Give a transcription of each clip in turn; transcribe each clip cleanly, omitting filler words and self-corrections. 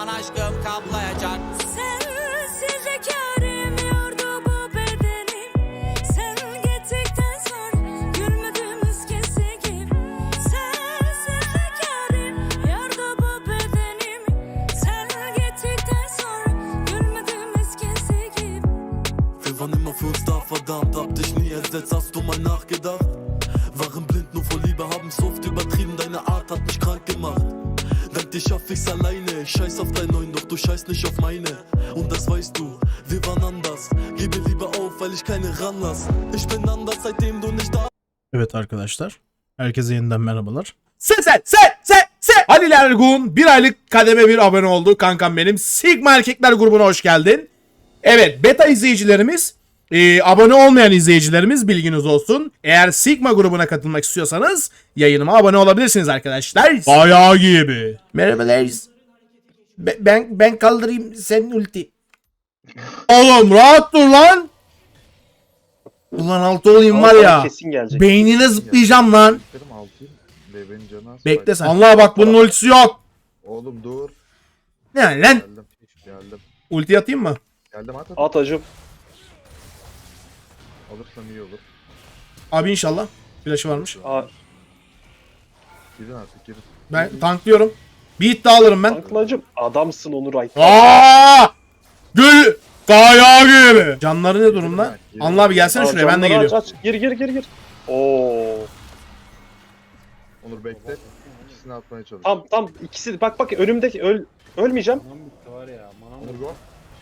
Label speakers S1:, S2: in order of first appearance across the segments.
S1: zaman aşkım kaplayacak.
S2: Sensiz hikârim yordu bu bedenim. Sen gittikten sonra gülmediğimiz kese gibi. Sensiz hikârim yordu bu bedenim. Sen gittikten sonra gülmediğimiz kese gibi.
S3: Wir waren immer für uns da, verdammt, hab dich nie ersetzt, hast du mal nachgedacht? Waren blind nur vor Liebe, haben's oft übertrieben, deine Art hat mich krank gemacht. Dank dir schaff ich's alleine, ich scheiß auf dein Neuen, doch du scheiß nicht auf meine. Und das weißt du, wir waren anders, gebe lieber auf, weil ich keine ranlass. Ich bin anders, seitdem du nicht da.
S4: Evet arkadaşlar, herkese yeniden merhabalar. Se Halil Ergun 1 aylık kademe 1 abone oldu. Kankam benim. Sigma Erkekler grubuna hoş geldin. Evet, beta izleyicilerimiz, abone olmayan izleyicilerimiz bilginiz olsun. Eğer Sigma grubuna katılmak istiyorsanız yayınıma abone olabilirsiniz arkadaşlar. Bayağı gibi. Merhabalar. Ben kaldırayım senin ulti. Oğlum rahat dur lan. Ulan altı olayım var ya. Beynine zıplayacağım lan. Bekle sen. Allah bak bunun ultisi yok.
S5: Oğlum dur.
S4: Ne lan?
S5: Geldim.
S4: Ulti atayım mı?
S5: Geldim at.
S6: At hacım.
S5: Alırsam iyi olur.
S4: Abi inşallah. Flash'ı varmış.
S5: Girin artık girin.
S4: Ben tanklıyorum. Bir hit daha alırım ben.
S6: Tankla hacım. Adamsın Onur Ay.
S4: Aaa! Gül! Kaya gibi. Canları ne durumda? Anla abi gelsene şuraya, ben de geliyorum.
S6: Aç. Gir. Oo.
S5: Onur bekle. İkisini atmaya çalış.
S6: Tam ikisi bak önümdeki ölmeyeceğim.
S5: Onur go.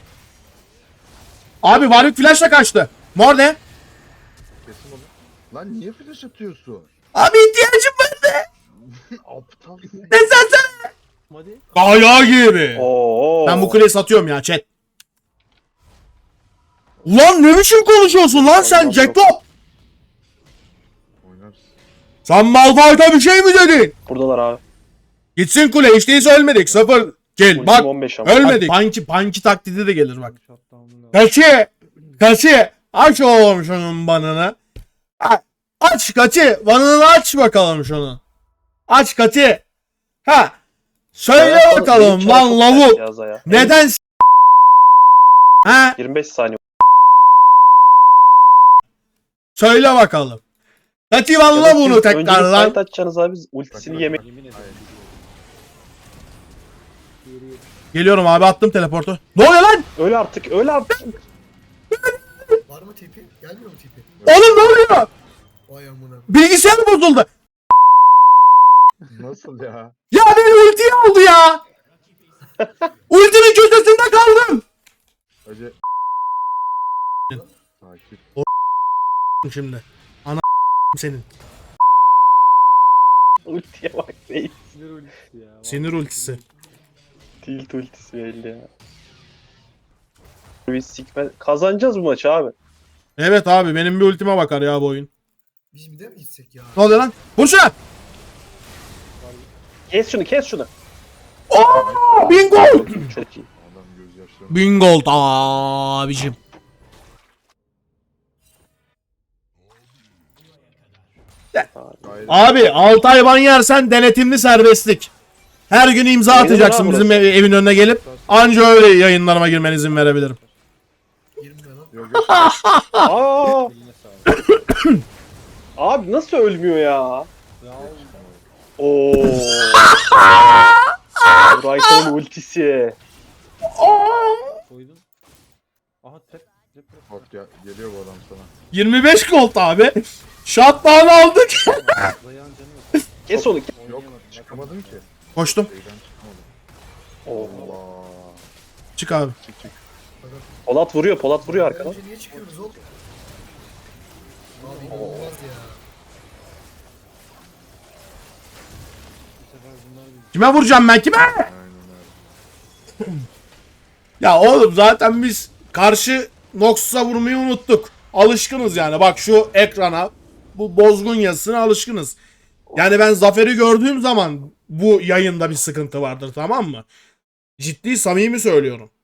S4: Abi Warwick flash'la kaçtı. Mor ne?
S5: Kesin onu. Lan niye flash atıyorsun?
S4: Abi ihtiyacım vardı.
S5: Aptal sen.
S4: Ne sen? Kaya gibi.
S6: Oo.
S4: Ben bu kuleyi satıyorum ya chat. Ulan ne biçim konuşuyorsun lan sen Jacob?
S5: Oynarsın.
S4: Sen Malphite'a bir şey mi dedin?
S6: Buradalar abi.
S4: Gitsin kule, hiç değilse ölmedik. 0 kill.
S6: Ultim
S4: Bak
S6: 15 ama.
S4: ölmedik. Panki taklidi de gelir bak. Kaçı. Aç oğlum şunun banını. Aç kaçı. Banını aç bakalım şunu. Aç kaçı. Ha. Söyle
S6: Evet,
S4: bakalım
S6: benim
S4: lan
S6: çarpı
S4: lavuk.
S6: yaz ya.
S4: Neden ha?
S6: 25 saniye.
S4: Söyle bakalım. Kaçı valla bunu tekrar lan.
S6: Önce atacaksınız abi, ultisini yemek.
S4: Geliyorum abi, attım teleportu. Ne oluyor lan?
S6: Öl artık.
S7: Var mı tipi? Gelmiyor mu tipi?
S4: Oğlum ne oluyor?
S7: Vay amına.
S4: Bilgisayar bozuldu.
S5: Nasıl ya?
S4: Ya beni ultiye aldı ya. Ultinin köşesinde kaldım.
S5: Hacı. Sakin.
S4: Şimdi. Ana senin.
S6: Ultiye bak değil.
S4: Sinir ultisi.
S6: Tilt ultisi belli ya. Biz sikme kazanacağız bu maçı abi.
S4: Evet abi, benim bir ultime bakar ya bu oyun.
S7: Biz bir de mi gitsek ya?
S4: Ne oluyor lan? Vur şuna.
S6: Kes şunu.
S4: Ooo! Bingo!
S6: Çok iyi.
S5: Adam gözyaşlarını.
S4: Bingo abicim.
S5: Hayır.
S4: Abi 6 ay ban yersen denetimli serbestlik. Her gün imza
S6: Yayınlar
S4: atacaksın
S6: abi
S4: bizim
S6: burası.
S4: evin önüne gelip. Anca öyle yayınlarıma girmen izin verebilirim.
S7: 20 lira lan.
S5: Yok.
S6: Aa! Abi nasıl ölmüyor ya? Oo. Brighton'un ultisi.
S5: Bak ya, geliyor bu adam sana.
S4: 25 gold abi. Shutdown aldık.
S6: Kes onu.
S5: Yok çıkamadım ki.
S4: Koştum.
S5: Şeyden çıkamadım.
S6: Oo.
S5: Allah.
S4: Çık abi.
S5: Çık.
S6: Polat vuruyor arkadan.
S7: Önce niye çıkıyoruz oğlum? Abi inanılmaz ya.
S4: Kime vuracağım ben, kime?
S5: Aynen öyle.
S4: Ya oğlum zaten biz karşı Noxus'a vurmayı unuttuk. Alışkınız yani. Bak şu ekrana, bu bozgun yazısına alışkınız. Yani ben Zafer'i gördüğüm zaman bu yayında bir sıkıntı vardır, tamam mı? Ciddi samimi söylüyorum.